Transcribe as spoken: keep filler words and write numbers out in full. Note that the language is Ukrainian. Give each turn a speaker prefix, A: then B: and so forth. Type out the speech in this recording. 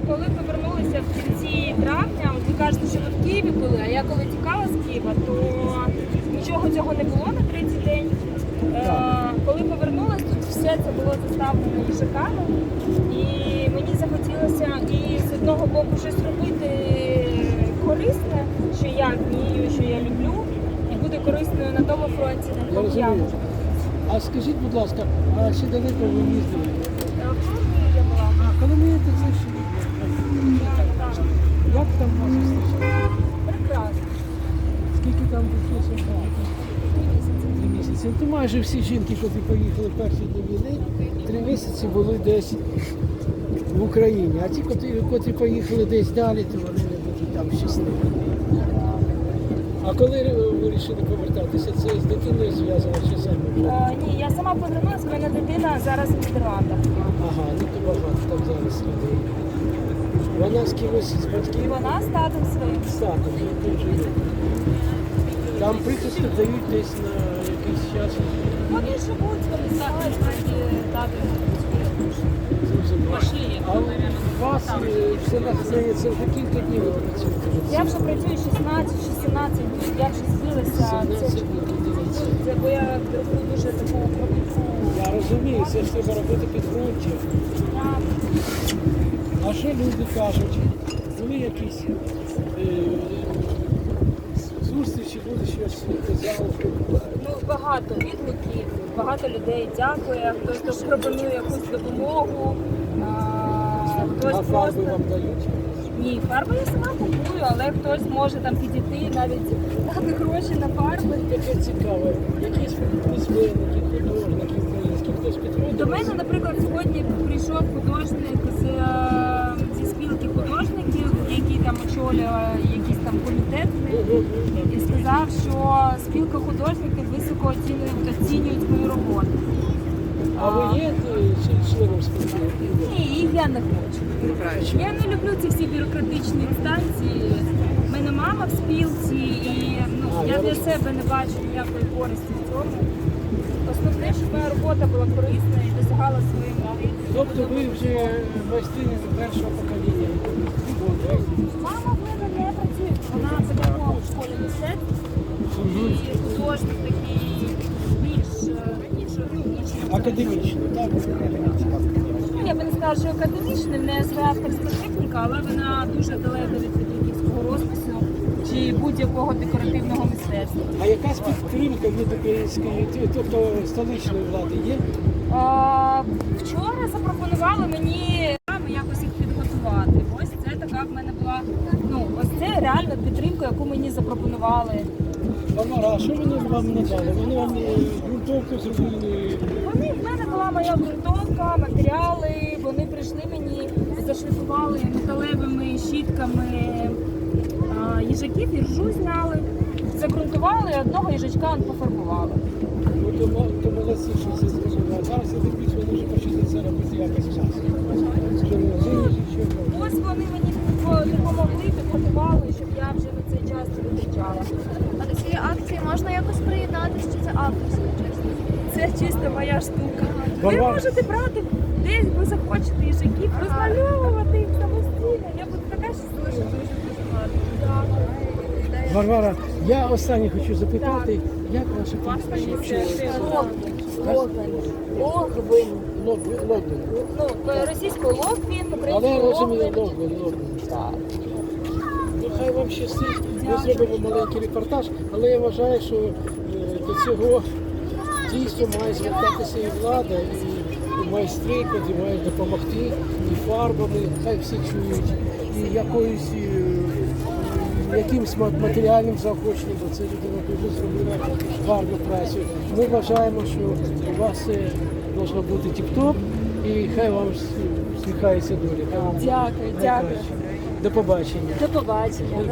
A: коли повернулися в кінці травня, от ви кажете, що ви в Києві були, а я коли тікала з Києва, то нічого цього не було на третій день. Е, коли повернулася, тут все це було заставлено їжаками. І мені захотілося і з одного боку щось робити корисне, що я вмію, що я люблю, і буде корисною на тому фронті, на
B: Я
A: якому я
B: розумію.
A: можу.
B: А скажіть, будь ласка, а ще далеко ви їздили?
A: Е, в Коломиї я була.
B: А Коломия – це ще?
A: Так, так.
B: Як там вас зустрічали?
A: Прекрасно.
B: Скільки там прийшлося?
A: Три місяці.
B: Три місяці. То майже всі жінки, які поїхали в перші дні війни, три місяці були десь в Україні. А ті, котрі, котрі поїхали десь далі, то вони не будуть там щасливі. А коли ви вирішили повертатися, це з дитиною зв'язано чи самі?
A: Е, ні, я сама повернулася, в мене дитина зараз в Нідерландах.
B: Ага, ну то багато там зараз людей. Вона з кимось з
A: І
B: батьків?
A: вона з татом своїм.
B: Статом, я теж є. Там прихисток дають десь на якийсь час.
A: Вони живуть, вони знають, вони тато.
B: Зрозуміло. А у вас е, все надається вже кілька днів ви працюєте?
A: Я вже працюю шістнадцять-сімнадцять днів, я вже збилася.
B: сімнадцять
A: Це,
B: днів, дивіться.
A: це бо я роблю дуже таку кропітку.
B: Я розумію, це ж треба робити підґрунтя. А що люди кажуть? Були якісь е, зустрічі, люди щось казали?
A: Ну, багато відгуків, багато людей дякує, хтось пропонує якусь допомогу, а, хтось
B: А фарби
A: просто...
B: вам дають?
A: Ні, фарби я сама купую, але хтось може там підійти, навіть дати гроші на фарби.
B: Таке цікаве. Якісь письменники, художники українські, хтось підходить?
A: До мене, наприклад, сьогодні прийшов художник з, е, зі спілки художників, який там очолює якийсь там комітет, і сказав, що спілка художників високо оцінюють, оцінюють мою роботу.
B: А ви є е, чи- членом спілки?
A: Ні, і я не хочу. Я не люблю ці всі бюрократичні інстанції. У мене мама в спілці, і ну,
B: А,
A: я
B: я
A: для
B: розумію.
A: себе не бачу ніякої користі в цьому. Основне, щоб моя робота була корисна і досягала своєї мети.
B: Тобто ви вже майстриня першого покоління?
A: Мама в мене не працює. Вона педагог в школі мистецтв і художник такий більш е, ніж ніж
B: Академічно, так?
A: Ну, я би не сказала, що академічний, в неї своя авторська техніка, але вона дуже далека від петриківського розпису чи будь-якого декоративного мистецтва.
B: А якась підтримка від української, тобто столичної влади є?
A: А, вчора запропонували мені якось їх підготувати. Ось це така в мене була, ну, ось це реально підтримка, яку мені запропонували.
B: Тамара, а що вони вам надали? Вони вам е, ґрунтовку зробили?
A: Вони в мене була моя ґрунтовка, матеріали. Вони прийшли мені, зашліфували металевими щітками а, їжаків, і ржу зняли, загрунтували, і одного їжачка пофарбували.
B: Ну, то, мо- то молодці, що це зробили. А зараз я дивлюсь, вони вже почали це робити якось час. Що не розумієш, що робити?
A: Ось вони мені по- допомогли, підготували, щоб я вже на цей час не витрачала.
C: А до цієї акції можна якось приєднатися, чи це авторська чесно?
A: Це чисто моя штука. Ви
B: Варвара.
A: можете брати десь ви захочете їжаків, розмальовувати їх самостійно. Я буду така щаслива, що дуже дуже гарно.
B: Варвара, я останнє хочу запитати, як ваше прізвище?
A: Логвин. Логвин.
B: Логвин. Логвин.
A: Ну, російською Логвін,
B: Але
A: українською
B: розумію,
A: Логвин.
B: Логвин, Логвин. Ну, хай вам щастить. Ми зробимо маленький репортаж, але я вважаю, що е, до цього дійсно має звертатися і влада, і, і майстри, які мають допомогти, і фарбами, хай всі чують, і якоюсь е, якимсь ма- матеріальним заохоченням, бо це людина дуже зробила гарну працю. Ми вважаємо, що у вас все має бути тіп-топ, і хай вам всміхається доля. Хай вам
A: Дякую, дякую.
B: найкраще. До побачення.
A: До побачення.